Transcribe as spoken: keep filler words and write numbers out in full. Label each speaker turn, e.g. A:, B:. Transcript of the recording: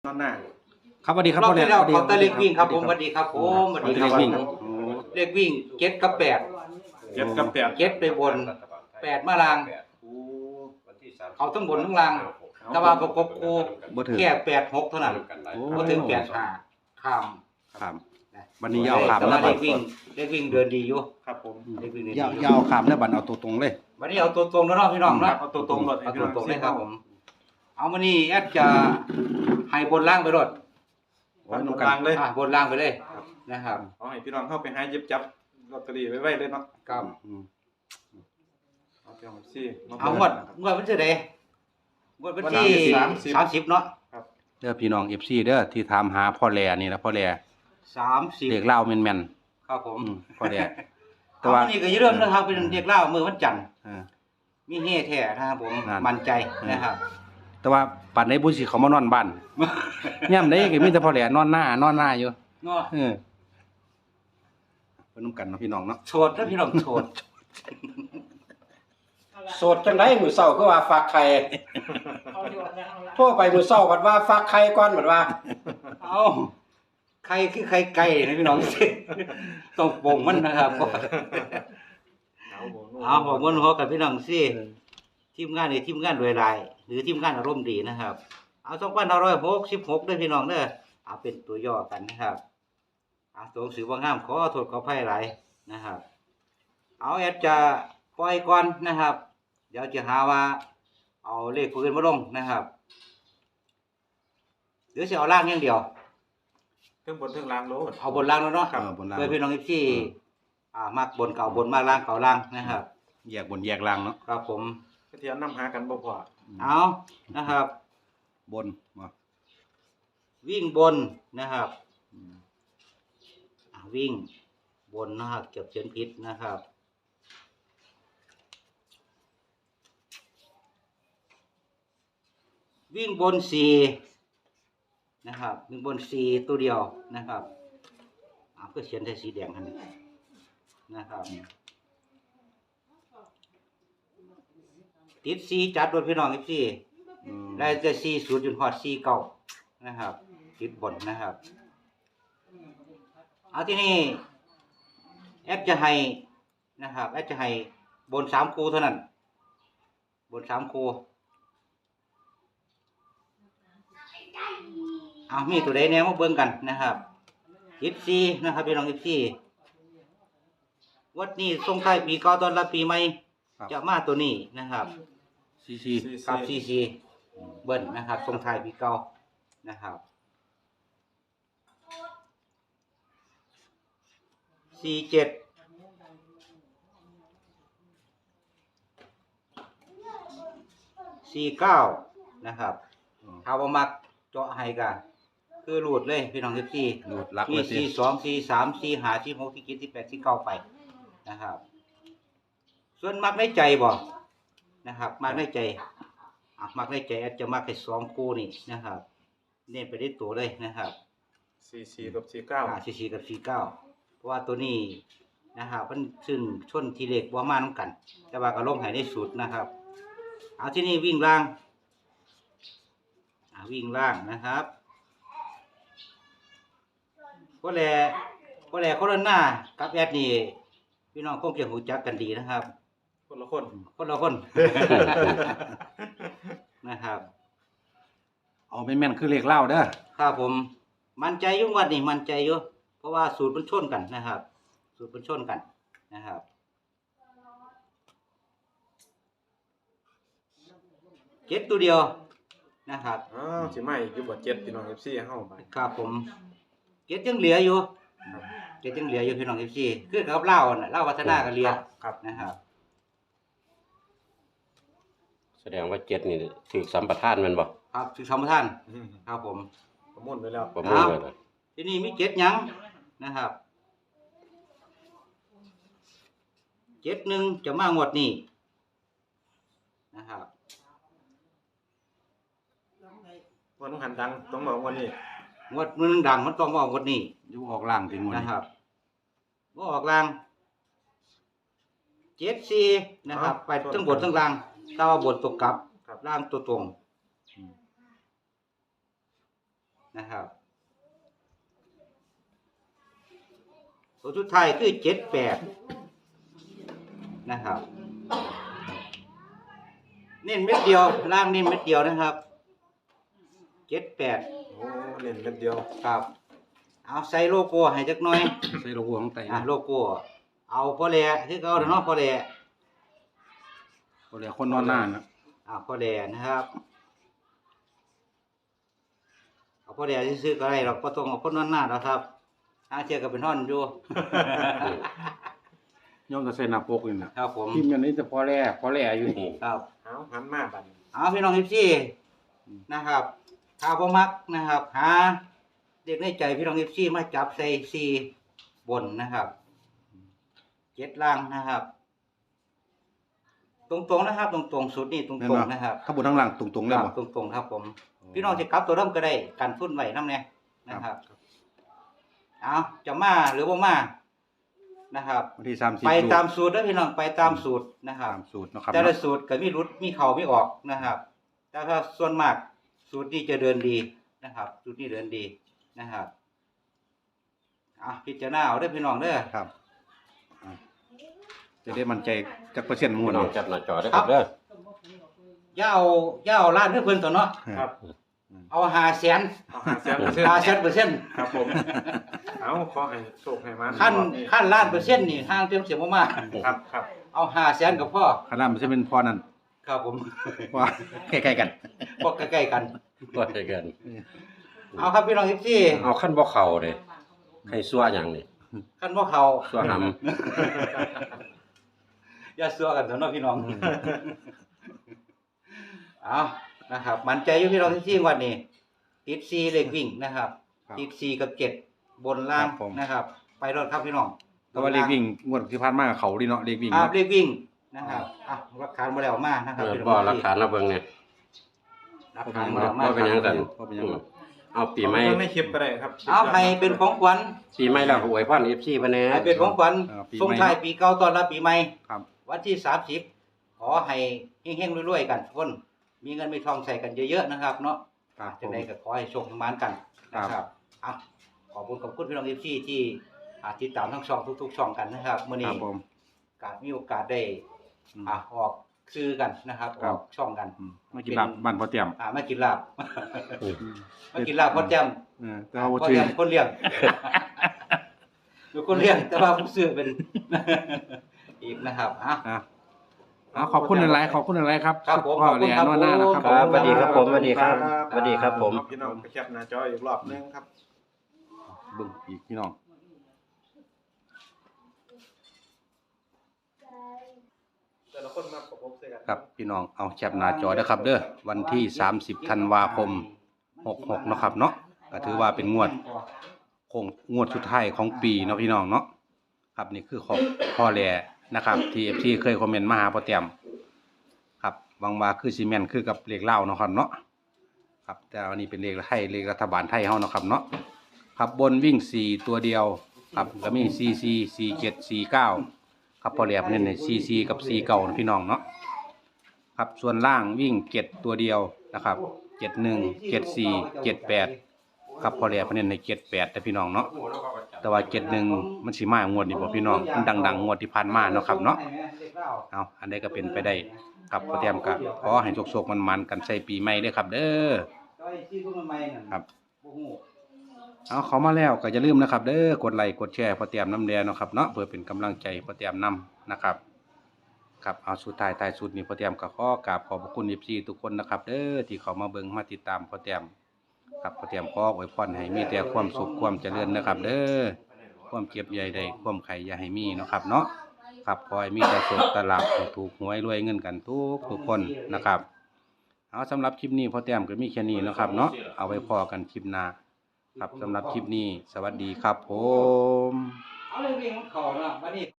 A: นอนหน้า
B: ครับสวัสดีครับ
C: รอบ
B: พ่อแหล
C: ที่
B: ม
C: แล้ว
B: สวัสดี
C: เขาตะเล็กวิ่งครับผมสวัสดีครับผมสวัสดีค
B: เล
C: รับ
B: ขวิ่ง
C: เลขวิ่งเจ็ดกับแปด
A: เจ็ดกับแปด
C: เจ็ดไปบนแปดมาลางเขาทั้งบนทั้งล่างแต่ว่าประกบคู่
B: บ่ถึง
C: แค่แปดหกเท่านั้น
B: โอ้
C: ก็ถึงแปดห้าข้าม
B: ครับวันนี้ยาวขาม
C: แต่
B: นะ
C: ว่า
B: บั
C: เล
B: ด
C: ขวิ่งเลขวิ่งเดินดีอยู่
A: ครับผม
C: เลขวิ่งเดินดี
B: ยาว
C: อยู่
B: ยาวขามนะบัดเอาตัวตรงเลย
C: วันนี้เอาตัวตรงแล้วเนาะพี่น้องเนาะ
A: เอาตัวตรงหมด
C: เอาตัวตรงเลยครับผมเอามานี่แอดจะให้บนล่างไปรถ
B: โอ้ย
A: ต
B: น้
A: ร
B: อง
A: ง
B: กั
A: กลาน งเลย
C: อ่ะบนล่างไปเลยนะครับ
A: ขอให้พี่น้องเข้าไปหาเย็บจับลอตเตอรี่ไว้ไว้เลยเนาะ
C: ครับ
B: อืม
A: เอาไปเอาซี่
C: เอางวดงวดวันที่ใดงวดวันที่
A: สามสิบ
C: สามสิบเนาะ
B: เด้อพี่น้อง เอฟ ซี เด้อที่ถามหาพ่อแหลนี่นะพ่อแหล
C: สามสิบ
B: เด็กเล่าวแม่น
C: ครับผม
B: ๆอืมพ่อแหล แต่
C: แต่
B: ว่า
C: ว่านี่ก็อย่าลืมนะครับเป็นเด็กเล่ามือวันจันทร์
B: เออ
C: มีเฮ่แท้นะครับผม
B: นั่น
C: มั่นใจนะครับ
B: แต่ว่าปัดในบุญสิเขามานอนบ้านย่ำได้ก็มีแต่พ่อแหลนอนหน้านอนหน้าอยู่
C: เนาะ
B: เออเพิ่นนํกันเนาะพี่น้องเนาะ
C: โสดแล้วพี่น้องโสด
D: โสดจังได๋มื้อเช้าคือว่าฝากไข่โทรไปมื้อเช้าบัดว่าฝากไข่ก่อนบัดว่า
C: เอาใครคือใครไก่นะพี่น้อง ต้องปงมันนะครับ เอาบอกมันหัวกับพี่น้องสิทีมงานนี่ทีมงานรวยรายหรือทีมงานอารมณ์ดีนะครับ เอาสองพันห้าร้อยหกสิบหกด้วยพี่น้องเด้อเอาเป็นตัวย่อกันนะครับเอาตัวหนังสือว่างามขอโทษขออภัยหลายนะครับ เอาแอดจะปล่อยก่อนนะครับ เดี๋ยวจะหาว่า เอาเลขปืนมาลงนะครับหรือจะเอาล่างอย่างเดียว
A: เครื่องบนเครื่องล่างโลด
C: เอาบนล่างแล้วเนาะ
B: เออบนล่าง
C: เพื่อพี่น้องที่อ่ามากบนเก่าบนมากล่างเก่าล่างนะครับ
B: แยกบนแยกล่างเนาะ
C: ครับผม
A: เทียนนำหากันบ่พอ
C: เอานะครับ
B: บนบ่
C: วิ่งบนนะครับอ่าวิ่งบนนะครับเก็บเขียนผิดนะครับ วิ่งบนสี่นะครับวิ่งบนสี่ตัวเดียวนะครับอ่าเพื่อเขียนใส่สีแดงทันนะครับติดสี่จัดโดยพี่น้องอีกสี่
B: อืม
C: ได้แต่สี่ศูนย์จนฮอดสี่เก้านะครับติดบนนะครับเอาที่นี่แอปจะให้นะครับแอปจะให้บนสามคูเท่านั้น บนสามคูเอามีตัวใดแนวมาเบิ่งกันนะครับสิบสี่นะครับพี่น้องสิบสี่วัดนี้ส่งท้ายปีเก่าต้อนรับปีใหม่
B: ครับ
C: จะมาตัวนี้นะครับ
B: ซีซี
C: กับซีซีเบิ้ลนะครับส่งท้ายปีเก่านะครับสี่เจ็ดสี่เก้านะครับถ้าว่ามักเจาะให้กันคือหลุดเลยพี่น้องสิบสี่
B: ดูดลัก
C: สี่
B: เลยสิ
C: สี่สองสี่สามสี่ห้าสี่หกสี่เจ็ดสี่แปดสี่เก้าไปนะครับ ส่วนมักในใจบ่นะครับ มักในใจอ่ะมักในใจอาจจะมักแค่สองคู่นี่นะครับ เน้นไปที่ตัวเลยนะครับ
A: สี่สี่กับสี่เก้า
C: อ่าสี่สี่กับสี่เก้าเพราะว่าตัวนี้นะครับมันซึ่งชนทีเล็กบ่มาน้ำกัน แต่ว่าก็ลงให้ในสูตรนะครับเอาที่นี่วิ่งล่างอ่าวิ่งล่างนะครับก็แลก็แลโคโรนากับแอดนี่พี่น้องคงจะรู้จักกันดีนะครับ
A: คนละคน
C: คนละคน นะครับ
B: เอาเป็นแม่นคือเลขเล่าเด้อ
C: ครับผมมั่นใจอยุ่งวัดนี่มั่นใจอยู่เพราะว่าสูตรมันชนกันนะครับ สูตรมันชนกันนะครับเจ็ดตัวเดียวนะครับ
A: อ้าวสิมาอีกอยู่บ่เจ็ดพี่น้อง เอฟ ซี เฮาไป
C: ครับผมเจ็ดยังเหลืออยู่เจ็ดยังเหลืออยู่พี่น้องที่สี่คือกับเล่าน่ะเล่าวัฒนากันเรียน
A: ครับ
C: นะครับ
E: แสดงว่าเจ็ดนี่ถือสัมปทานแมันบ่
C: ครับถึงสมท่าน
A: อืม
C: ครับผม
A: ประมวลไว้แล้ว
E: ประมุ่งเลยนะ
C: ที่นี่มีเจ็ดหยังนะครับเจ็ดหนึ่งจะมางวดนี้นะครับ
A: วันหันดังต้องบอกวันนี้
C: งวดหนึ่งดังมันต้องว่างวดนี้
B: อยู่ออกล่างถึงวัน
C: นะ
B: นี้
C: ครับว่าออกล่างเจ็ดสี่นะครับ ไปทั้งบนทั้งล่างถ้าว่าบนตกกลับล่างตัวตรงนะครับตัวสุดท้ายคือเจ็ดแปดนะครับเน้นเม็ดเดียวล่างเน้นเม็ดเดียวนะครับเจ็ดแปด
A: โอ้เล่นเม็ดเดียว
C: ครับเอาใส่โลโก้ให้จักหน่อย
B: ใส่โลโก้ของไต
C: อ่ะโลโก้เอาพอแลคือเก่าเนาะพอแล
B: บ่ได้คนนอนหน้านะ
C: อ่าพอแลนะครับเอาพอแลซื้อๆก็ได้หรอกบ่ต้องเอาคนนอนหน้าหรอกครับทางเที่ยก็เป็นท่อนอยู่
B: ย่อมจะใส่หน้าปกนี่น่ะ
C: ครับผม
B: พิมพ์อย่างนี้แต่พอแลพอแลอยู่นี่
C: ครับ
A: เอาหันมาบัดนี้
C: เอาพี่น้องเอฟซีนะครับถ้าบ่มักนะครับหาเด็กในใจพี่น้องเอฟซีมาจับใส่ซีบนนะครับเจ็ดล่างนะครับ ตรงๆนะครับ ตรงๆสุดนี่ตรงๆนะครับ
B: ถ้าบนทั้งหลังตรงๆเลยบ่
C: ตรงๆครับผม พี่น้องจะกลับตัวเริ่มก็ได้กันทุนไว้นำแน่นะครับเอาจะมาหรือบ่มานะครับ
B: วันที่สามสิบ
C: ไปตามสูตรเด้อพี่น้องไปตามสูตรนะครับ
B: ตามสูตรเนาะครับ
C: แต่ละ
B: เนาะ
C: สูตรก็มีรุดมีเข่ามีออกนะครับ แต่ถ้าส่วนมากสูตรนี้จะเดินดีนะครับ สูตรนี้เดินดีนะครับอ่ะพิจารณาเอาเด้อพี่น้องเด้อ
B: ครับอ่ะจะได้มั่นใจจักเปอร์เซ็นต์หมู่
E: พี่น้อง
B: เนาะ
E: จับหน้าจอได้ครับเด้อ
C: อย่าเอาอย่าเอาล้านเด้อเพิ่นตัวเนาะ
A: ครับ
C: เอาห้าแสน
A: เอาหาแสนเปอร์เซ็นต์
C: ห้าแสนเปอร์เซ็นต์
A: ครับผมเอาขอให้โชคให้มัน
C: ขั้น
A: รอบนี้
C: ขั้นล้านเปอร์เซ็นต์นี่ห่างเต็มเสียบ่มา
A: ครับครับ
C: เอาห้าแสนก็พอ
B: ขนาดมันจะเป็นพอนั่น
C: ครับผม
B: ว่าใกล้ๆกัน
C: พวกใกล้ๆกัน
E: ก็ได้กัน
C: เอาครับพี่น้องทุกที่
E: เอาขั้นบ่เข้าเด้ให้ซัวหยังนี่
C: ขั้นบ่เข้า
E: ซัวหำ
C: อย่าซัวกันเถอะเนาะพี่น้องเอานะครับมั่นใจอยู่พี่น้องทุกที่วันนี้ติดซีเลขวิ่งนะครับ
B: ครับ
C: ติดซีกับเจ็ดบนล่าง
B: ครับผม
C: นะครับ ไปรถครับพี่น้อง
B: แต่ว่าเลขวิ่งงวดที่ผ่านมาเขาดีเนาะเลขวิ่ง
C: อ่า
B: เนาะ
C: เลขวิ่งนะครับอ่ะหลักฐานมาแล้วมานะครับ
E: เออ
C: พี่น้
E: บ่
C: อง
E: หลักฐานเราเบิ่งเนี่ย
C: หลักฐานมาแล้วมา
E: บ่เป็นหยังกัน
B: บ่เป็นหยังหรอก
E: เอาปีใหม่
A: เอาเบิ่งในคลิปก็ได้ครับ
C: เอาให้เป็นของขวัญ
E: ปีใหม่แล้วก็อวยพร เอฟ ซี เพิ่นแหน่
C: ให้เป็นของขวัญ
B: เออปีใหม่
C: ส่งท้ายปีเก่าต้อนรับปีใหม่
B: ครับ
C: วันที่สามสิบขอให้เฮงๆรวยๆกันทุกคนมีเงินมีทองใส่กันเยอะๆนะครับเนาะ
B: ครับผ
C: จัง
B: ม
C: ไดก็ขอให้โชคสมานกันนะค
B: ครั
C: รับบ อ่ะขอบคุณขอบคุณพี่น้องเอฟซีที่อ่าติดตามทั้งช่องทุกๆช่องกันนะครับมื้อ
B: ค
C: นี้
B: รับผม
C: กาสมีโอกาสได้
B: อืม
C: อ่ะออกซื้อกันนะครับ
B: ค
C: อ
B: รับ
C: อกช่องกัน
B: อืมมากินลาบบ้านพ่อเตรียม
C: อ่ามากินลาบ
E: อืม
C: มากินลาบพ่อแจ่ม
B: เออแต่ว่าบ่
C: พ่อ
B: ชื่อ
C: แจ่มคนเลี้ยง อยู่คนเลี้ยงแต่ว่าผู้ซื้อเป็น อีกนะครับอ่ะ
B: อ่ะเอาขอบคุณหลายๆขอบคุณหลายๆครับ
C: ครับผม
B: พ่อ
C: ขอบคุณ
B: แหล่
C: ครับ
B: นวดหน้านะครับ
C: ผม
E: สวัสดีครับผมสวัสดีครับสวัสดีครับผม
A: พี่น้องไปแคปหน้าจออีกรอบหนึงครับ
B: เบิ่งอีกพี่น้อง
A: แต่ละคนมาประกบใส่กัน
B: ครับพี่น้องเอาแคปหน้าจอเด้อครับเด้อวันที่สามสิบธันวาคมหกหกเนาะครับเนาะก็ถือว่าเป็นงวดคงงวดสุดท้ายของปีเนาะพี่น้องเนาะครับนี่คือของพ่อแหล่นะครับที่ เอฟ ซี เคยคอมเมนต์มาหาพ่อเตรียมครับหวังว่าคือซีเมนต์คือกับเลขเล่าวเนาะครับเนาะครับแต่อันนี้เป็นเลขไทยเลขรัฐบาลไทยเฮาเนาะครับเนาะครับบนวิ่งสี่ตัวเดียวครับก็มีสี่สี่สี่เจ็ดสี่เก้าครับพอแหลมเนี่ยสี่สี่กับสี่เก้านะพี่น้องเนาะครับส่วนล่างวิ่งเจ็ดตัวเดียวนะครับเจ็ดหนึ่งเจ็ดสี่เจ็ดแปดครับพอแหลมเนี่ยในเจ็ดแปดแต่พี่น้องเนาะแต่ว่าเจ็ดหนึ่งมันสิมางวดนี้บ่พี่น้องมันดังๆงวดที่ผ่านมาเนาะครับเนาะเอาอันใดก็เป็นไปได้ครับพอแต้มก็ขอให้โชคๆมันๆกันใส่ปีใหม่เด้อครับ เด้อ ครับ เอาเขามาแล้วก็อย่าลืมนะครับเด้อกดไลค์กดแชร์พอเตรียมน้ำแดงเนาะครับเนาะเพื่อเป็นกำลังใจพอเตรียมนำนะครับครับเอาสุดท้ายท้ายสุดนี่พอเตรียมก็ขอกราบขอบพระคุณ เอฟ ซี ทุกคนนะครับเด้อที่เขามาเบิ่งมาติดตามพอเตรียมครับพอเตรียมขออวยพรให้มีแต่ความสุขความเจริญนะครับ เด้อความเก็บใหญ่ใดความไข่อย่าให้มีเนาะครับเนาะครับขอให้มีแต่สุขตลาดถูกหวยรวยเงินกันทุกทุกคนนะครับเอาสำหรับคลิปนี้พอเตรียมก็มีแค่นี้เนาะครับเนาะเอาไว้พอกันคลิปหน้าครับสำหรับคลิปนี้สวัสดีครับผม
C: เอาเลยวิ่งของเขาเนาะวันนี้